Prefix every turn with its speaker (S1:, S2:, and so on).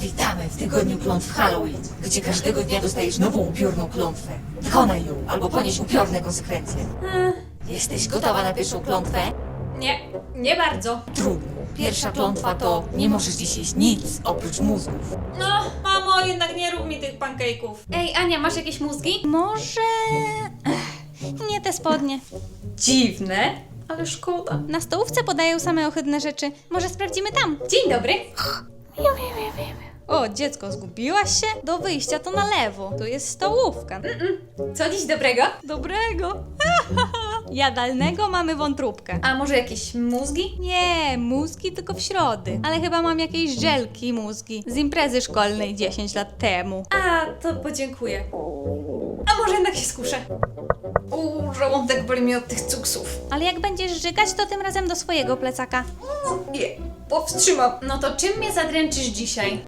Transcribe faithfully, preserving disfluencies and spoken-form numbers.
S1: Witamy w tygodniu klątw Halloween, gdzie każdego dnia dostajesz nową upiorną klątwę. Wykonaj ją, albo ponieś upiorne konsekwencje.
S2: Hmm,
S1: Jesteś gotowa na pierwszą klątwę?
S2: nie, nie bardzo.
S1: Trudno. Pierwsza klątwa to nie możesz dziś jeść nic oprócz mózgów.
S2: No, mamo, jednak nie rób mi tych pancake'ów. Ej, Ania, masz jakieś mózgi?
S3: Może... Ech, nie te spodnie.
S2: Dziwne, ale szkoda.
S3: Na stołówce podają same ohydne rzeczy. Może sprawdzimy tam?
S2: Dzień dobry.
S3: O, dziecko, zgubiłaś się? Do wyjścia to na lewo. Tu jest stołówka.
S2: Co dziś dobrego?
S3: Dobrego. Jadalnego mamy wątróbkę.
S2: A może jakieś mózgi?
S3: Nie, mózgi tylko w środy. Ale chyba mam jakieś żelki mózgi z imprezy szkolnej dziesięć lat temu.
S2: A, to podziękuję. A może jednak się skuszę? Uuu, żołądek boli mi od tych cuksów.
S3: Ale jak będziesz żygać, to tym razem do swojego plecaka.
S2: Nie, powstrzymam. No to czym mnie zadręczysz dzisiaj?